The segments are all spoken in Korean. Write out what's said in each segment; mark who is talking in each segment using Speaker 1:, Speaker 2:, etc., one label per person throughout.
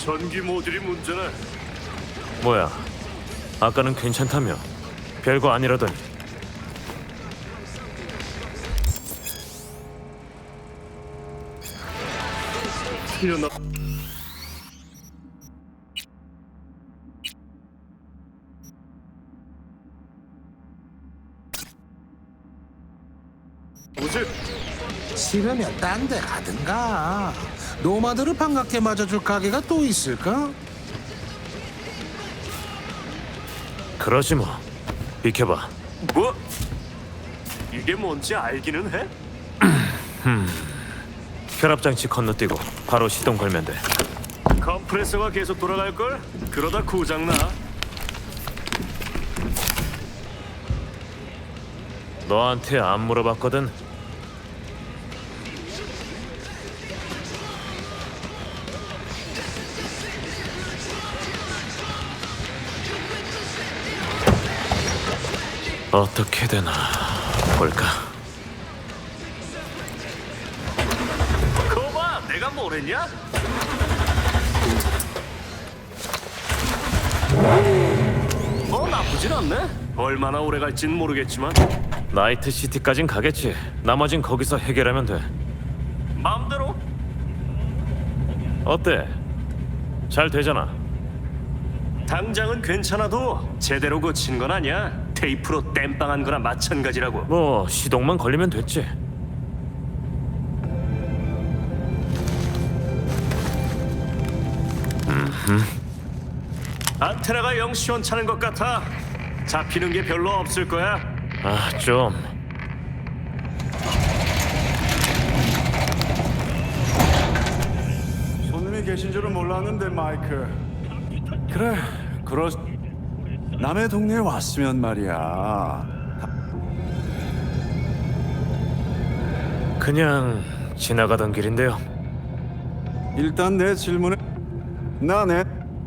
Speaker 1: 전기 모듈이 문제네.
Speaker 2: 뭐야? 아까는 괜찮다며. 별거 아니라더니.
Speaker 1: 튀어나. 뭐지?
Speaker 3: 싫으면 딴 데 가든가. 노마드를 반갑게 맞아줄 가게가 또 있을까?
Speaker 2: 그러지 뭐. 비켜봐.
Speaker 1: 뭐? 이게 뭔지 알기는 해?
Speaker 2: 혈압장치 건너뛰고 바로 시동 걸면 돼.
Speaker 1: 컴프레서가 계속 돌아갈 걸? 그러다 고장 나.
Speaker 2: 너한테 안 물어봤거든. 어떻게 되나 볼까?
Speaker 1: 거봐, 내가 뭐랬냐? 나쁘진 않네. 얼마나 오래 갈진 모르겠지만
Speaker 2: 나이트 시티까진 가겠지. 나머진 거기서 해결하면 돼.
Speaker 1: 마음대로.
Speaker 2: 어때? 잘 되잖아.
Speaker 1: 당장은 괜찮아도 제대로 고친 건 아니야. 테이프로 땜빵한 거나 마찬가지라고.
Speaker 2: 뭐 시동만 걸리면 됐지.
Speaker 1: 안테나가 영 시원찮은 것 같아. 잡히는 게 별로 없을 거야.
Speaker 2: 아, 좀.
Speaker 4: 손님이 계신 줄은 몰랐는데 마이크. 그래, 남의 동네에 왔으면 말이야.
Speaker 2: 그냥 지나가던 길인데요.
Speaker 4: 일단 내 질문에 나네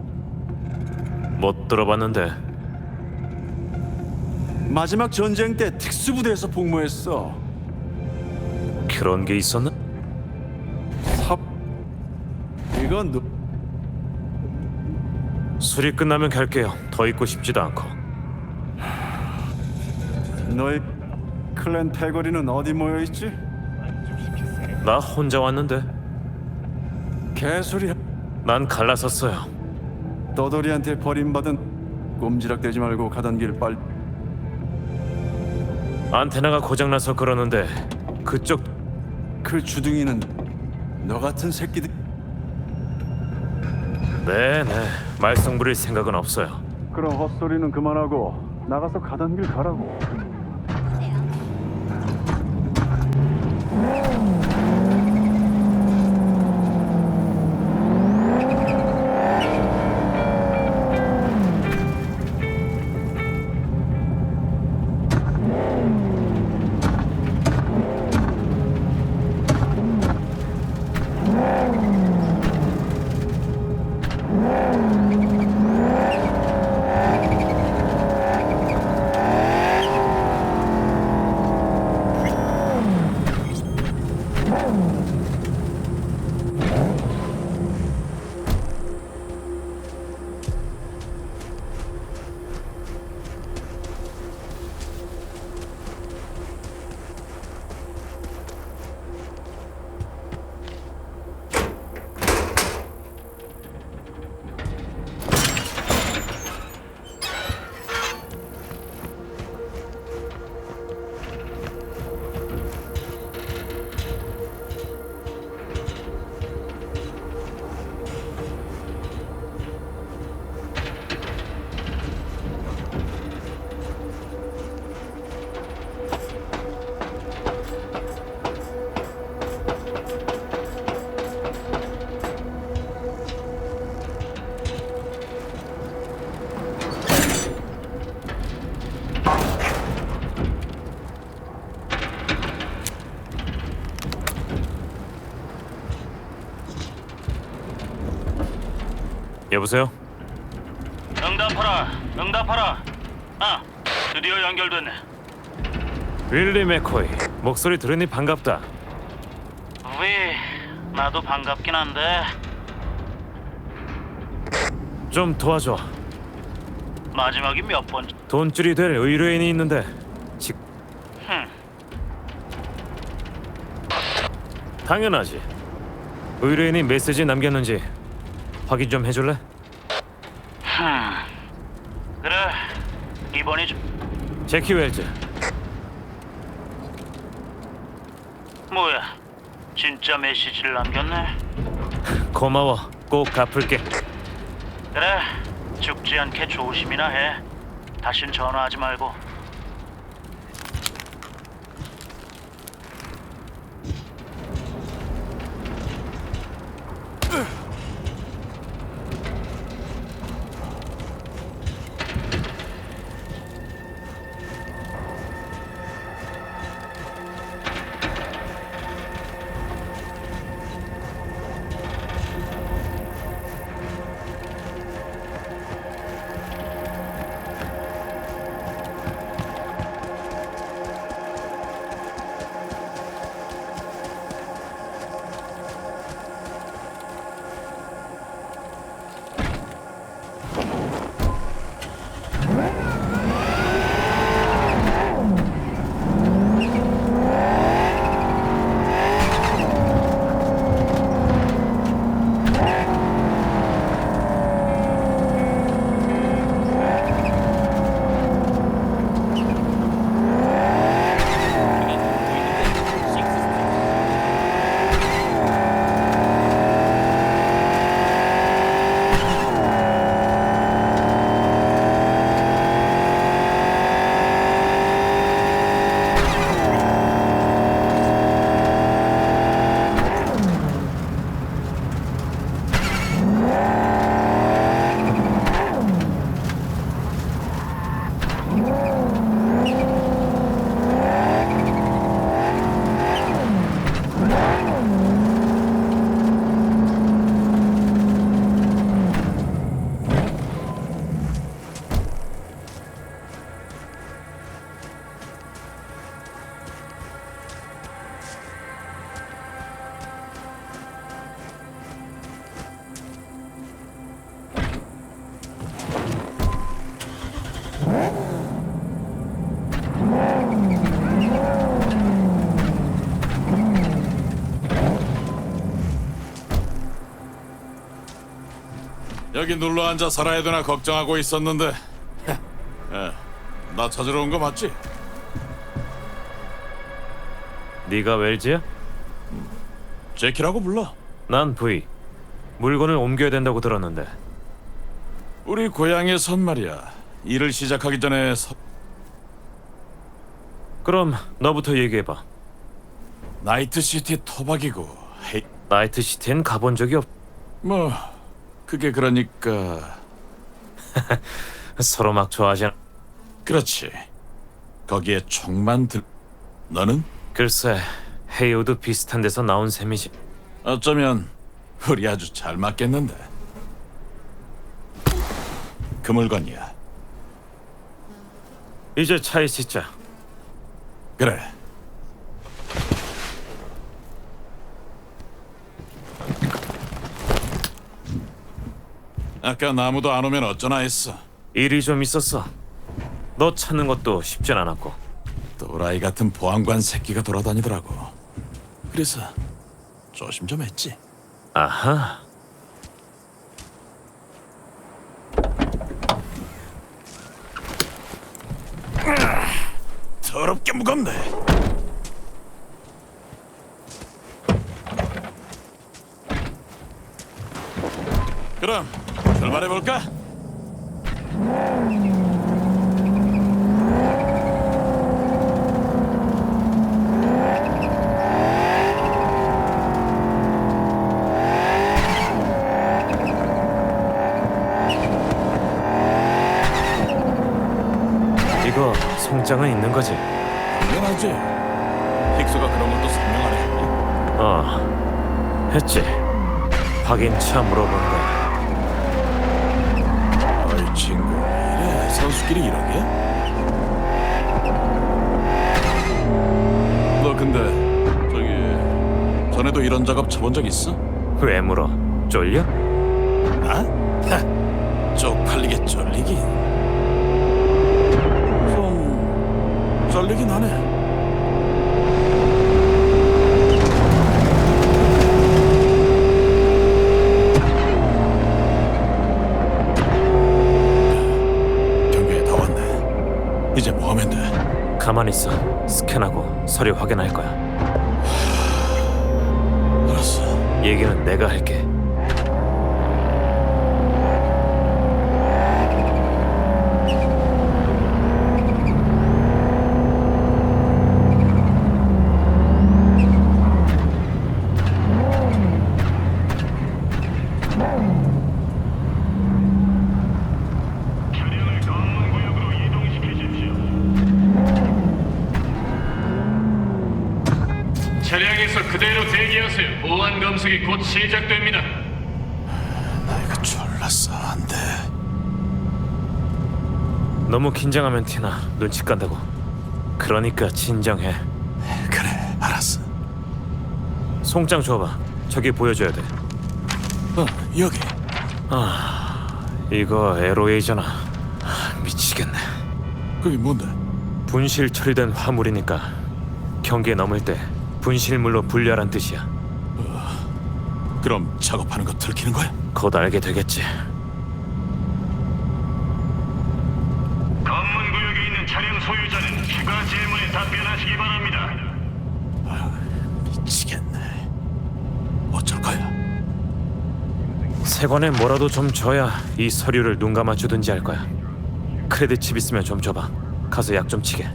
Speaker 2: 못 들어봤는데.
Speaker 4: 마지막 전쟁 때 특수부대에서 복무했어.
Speaker 2: 그런 게 있었나?
Speaker 4: 삽 이건 너
Speaker 2: 술이 끝나면 갈게요. 더 있고 싶지도 않고.
Speaker 4: 너희 클랜 패거리는 어디 모여 있지?
Speaker 2: 나 혼자 왔는데.
Speaker 4: 개소리.
Speaker 2: 난 갈라섰어요.
Speaker 4: 떠돌이한테 버림받은 꼼지락대지 말고 가던 길 빨리.
Speaker 2: 안테나가 고장나서 그러는데 그쪽
Speaker 4: 그 주둥이는 너 같은 새끼들.
Speaker 2: 네네 말썽 부릴 생각은 없어요.
Speaker 4: 그럼 헛소리는 그만하고 나가서 가던 길 가라고.
Speaker 2: 여보세요?
Speaker 5: 응답하라, 응답하라. 아, 드디어 연결됐네.
Speaker 2: 윌리 맥코이. 목소리 들으니 반갑다.
Speaker 5: 왜? 나도 반갑긴 한데
Speaker 2: 좀 도와줘.
Speaker 5: 마지막이 몇 번?
Speaker 2: 돈줄이 될 의뢰인이 있는데 직... 당연하지. 의뢰인이 메시지 남겼는지 확인 좀 해줄래?
Speaker 5: 그래. 이번이 좀
Speaker 2: 제키 웰즈.
Speaker 5: 뭐야? 진짜 메시지를 남겼네.
Speaker 2: 고마워. 꼭 갚을게.
Speaker 5: 그래. 죽지 않게 조심이나 해. 다신 전화하지 말고.
Speaker 6: 여기 눌러 앉아 살아야 되나 걱정하고 있었는데. 나 찾으러 온 거 맞지?
Speaker 2: 네가 웰즈야?
Speaker 6: 제키라고 불러.
Speaker 2: 난 V. 물건을 옮겨야 된다고 들었는데.
Speaker 6: 우리 고향에선 말이야. 일을 시작하기 전에
Speaker 2: 그럼 너부터 얘기해봐.
Speaker 6: 나이트시티 토박이고. 헤이,
Speaker 2: 나이트시티엔 가본 적이 없...
Speaker 6: 뭐 그게 그러니까.
Speaker 2: 서로 막 좋아하지 않...
Speaker 6: 그렇지. 거기에 총만 들. 너는?
Speaker 2: 글쎄, 헤이오도 비슷한 데서 나온 셈이지.
Speaker 6: 어쩌면 우리 아주 잘 맞겠는데. 그 물건이야.
Speaker 2: 이제 차에 싣자.
Speaker 6: 그래. 아까 나무도 안 오면 어쩌나 했어.
Speaker 2: 일이 좀 있었어. 너 찾는 것도 쉽진 않았고.
Speaker 6: 또라이 같은 보안관 새끼가 돌아다니더라고. 그래서 조심 좀 했지.
Speaker 2: 아하.
Speaker 6: 더럽게 무겁네. 그럼 출발해 볼까?
Speaker 2: 이거 송장은 있는 거지?
Speaker 6: 당연하지. 힉스가 그런 것도 설명 안 해줬니?
Speaker 2: 했지. 확인차 물어본 거야.
Speaker 6: 어이 친구, 이래 선수끼리 이러게? 너 근데 저기 전에도 이런 작업 쳐본 적 있어?
Speaker 2: 왜 물어? 쫄려?
Speaker 6: 나? 하, 쪽팔리게 쫄리긴. 좀 쫄리긴 하네. 경비에 다 왔네. 이제 뭐 하면 돼?
Speaker 2: 가만히 있어. 스캔하고 서류 확인할 거야.
Speaker 6: 알았어.
Speaker 2: 얘기는 내가 할게.
Speaker 7: 차량에서 그대로 대기하세요. 보안 검색이 곧 시작됩니다.
Speaker 6: 나 이거 졸랐어. 안 돼.
Speaker 2: 너무 긴장하면 티나. 눈치 깐다고. 그러니까 진정해.
Speaker 6: 그래, 알았어.
Speaker 2: 송장 줘봐. 저기 보여줘야 돼.
Speaker 6: 여기.
Speaker 2: 이거 LOA잖아. 미치겠네.
Speaker 6: 그게 뭔데?
Speaker 2: 분실 처리된 화물이니까 경계 넘을 때 분실물로 분류하란 뜻이야.
Speaker 6: 그럼 작업하는 거 들키는 거야?
Speaker 2: 곧 알게 되겠지.
Speaker 7: 검문 구역에 있는 차량 소유자는 추가 질문에 답변하시기 바랍니다.
Speaker 6: 미치겠네. 어쩔 거야?
Speaker 2: 세관에 뭐라도 좀 줘야 이 서류를 눈 감아 주든지 할 거야. 크레딧 칩 있으면 좀 줘봐. 가서 약 좀 치게.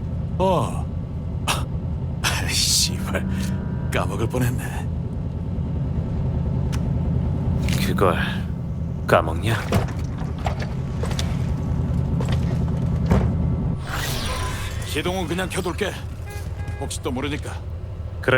Speaker 6: 씨발, 까먹을 뻔했네.
Speaker 2: 그걸 까먹냐?
Speaker 6: 시동은 그냥 켜둘게. 혹시 또 모르니까.
Speaker 2: 그래.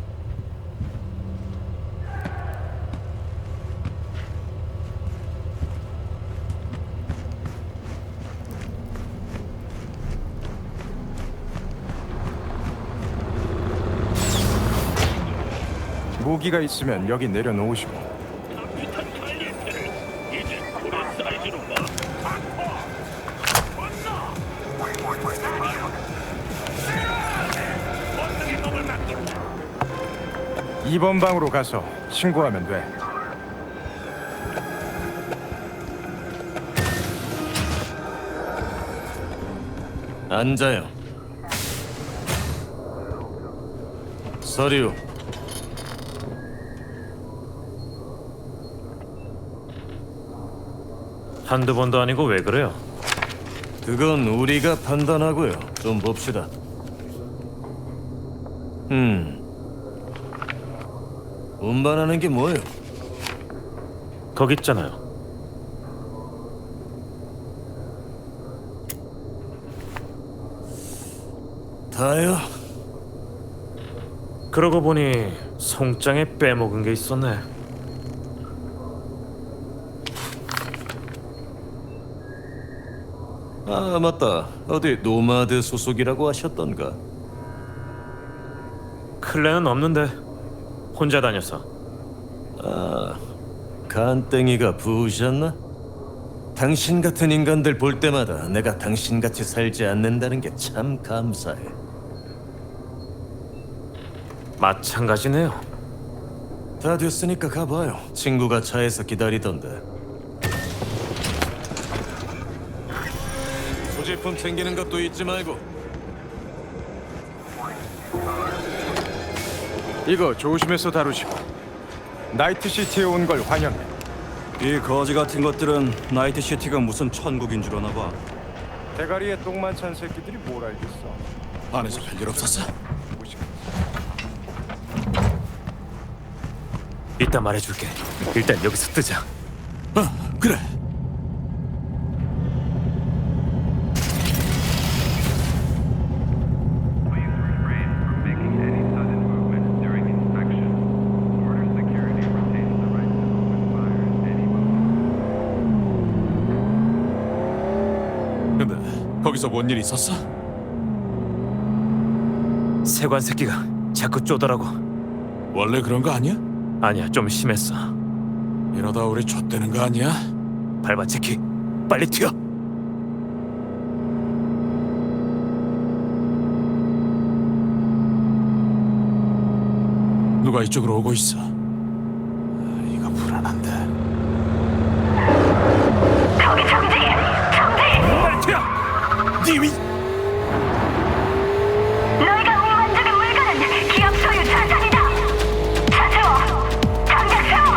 Speaker 8: 무기가 있으면 여기 내려놓으시고. 이번 방으로 가서 신고하면 돼.
Speaker 2: 앉아요. 서류. 한두 번도 아니고 왜 그래요?
Speaker 9: 그건 우리가 판단하고요. 좀 봅시다. 운반하는 게 뭐예요?
Speaker 2: 거기 있잖아요.
Speaker 9: 다요?
Speaker 2: 그러고 보니 송장에 빼먹은 게 있었네.
Speaker 9: 아, 맞다. 어디 노마드 소속이라고 하셨던가?
Speaker 2: 클레는 없는데 혼자 다녀서.
Speaker 9: 간땡이가 부으셨나? 당신 같은 인간들 볼 때마다 내가 당신같이 살지 않는다는 게 참 감사해.
Speaker 2: 마찬가지네요.
Speaker 9: 다 됐으니까 가봐요. 친구가 차에서 기다리던데. 소지품 챙기는 것도 잊지 말고.
Speaker 8: 이거 조심해서 다루시고. 나이트시티에 온 걸 환영해.
Speaker 4: 이 거지 같은 것들은 나이트시티가 무슨 천국인 줄 아나 봐.
Speaker 8: 대가리에 똥만 찬 새끼들이 뭘 알겠어.
Speaker 6: 안에서 별일 없었어?
Speaker 2: 이따 말해줄게. 일단 여기서 뜨자.
Speaker 6: 그래. 근데 거기서 뭔 일 있었어?
Speaker 2: 세관 새끼가 자꾸 쪼더라고.
Speaker 6: 원래 그런 거 아니야?
Speaker 2: 아니야, 좀 심했어.
Speaker 6: 이러다 우리 좆되는 거 아니야?
Speaker 2: 밟아, 제키. 빨리 튀어.
Speaker 6: 누가 이쪽으로 오고 있어. 이거 불안한데.
Speaker 2: 빨리 튀어.
Speaker 6: 님이
Speaker 10: 너희가 운반적인 물건은 기업 소유 자산이다. 차 세워. 당장 세워.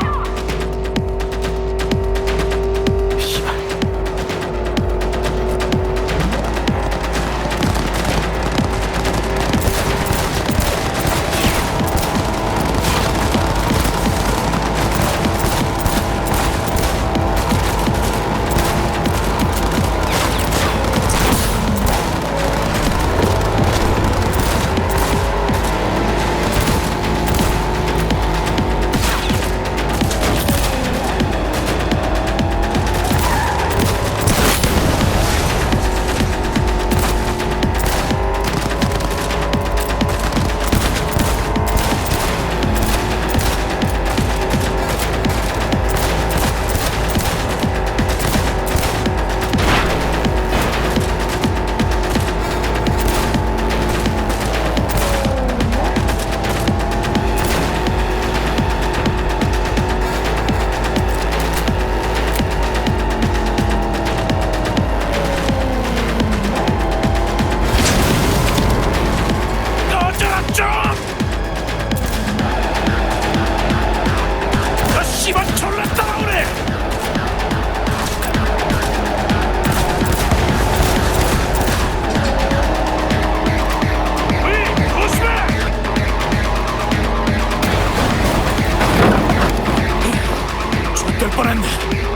Speaker 6: 될 뻔했네.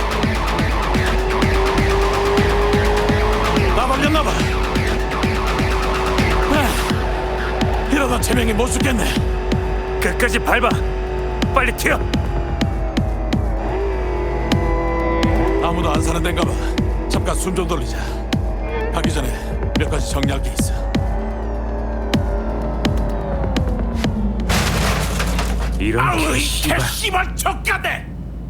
Speaker 6: 나 걸렸나봐. 이러다 제명이 못 죽겠네.
Speaker 2: 끝까지 밟아. 빨리 튀어.
Speaker 6: 아무도 안 사는 데인가 봐. 잠깐 숨 좀 돌리자. 가기 전에 몇 가지 정리할 게 있어.
Speaker 2: 이런
Speaker 6: 씨발 족가네.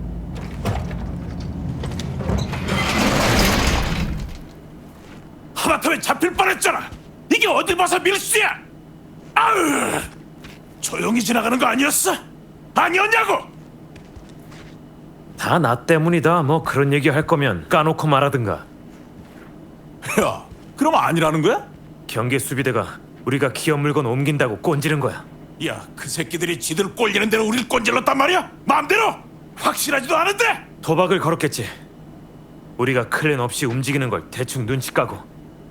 Speaker 6: 하마터면 잡힐 뻔했잖아. 이게 어딜 봐서 밀수야. 아으, 조용히 지나가는 거 아니었어? 아니었냐고.
Speaker 2: 다 나 때문이다. 뭐 그런 얘기 할 거면 까놓고 말하든가.
Speaker 6: 야, 그럼 아니라는 거야?
Speaker 2: 경계 수비대가 우리가 기업 물건 옮긴다고 꼰지른 거야.
Speaker 6: 야, 그 새끼들이 지들 꼴리는 대로 우릴 꼰질렀단 말이야? 마음대로? 확실하지도 않은데?
Speaker 2: 도박을 걸었겠지. 우리가 클랜 없이 움직이는 걸 대충 눈치 까고.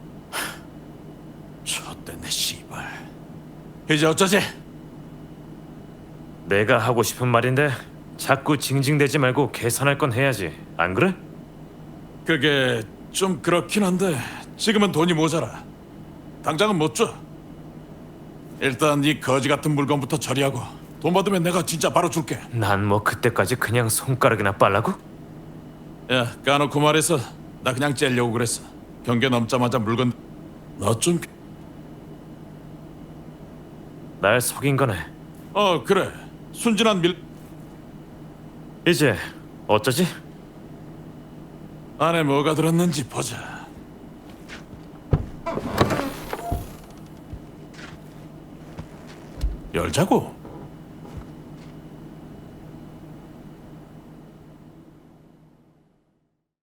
Speaker 6: 좆됐네 씨발. 이제 어쩌지?
Speaker 2: 내가 하고 싶은 말인데 자꾸 징징대지 말고 계산할 건 해야지. 안 그래?
Speaker 6: 그게 좀 그렇긴 한데 지금은 돈이 모자라. 당장은 못 줘. 일단 이 거지 같은 물건부터 처리하고 돈 받으면 내가 진짜 바로 줄게.
Speaker 2: 난 뭐 그때까지 그냥 손가락이나 빨라고?
Speaker 6: 야, 까놓고 말해서 나 그냥 째려고 그랬어. 경계 넘자마자 물건 너 좀...
Speaker 2: 날 속인 거네.
Speaker 6: 그래. 순진한
Speaker 2: 이제 어쩌지?
Speaker 6: 안에 뭐가 들었는지 보자. 열자고.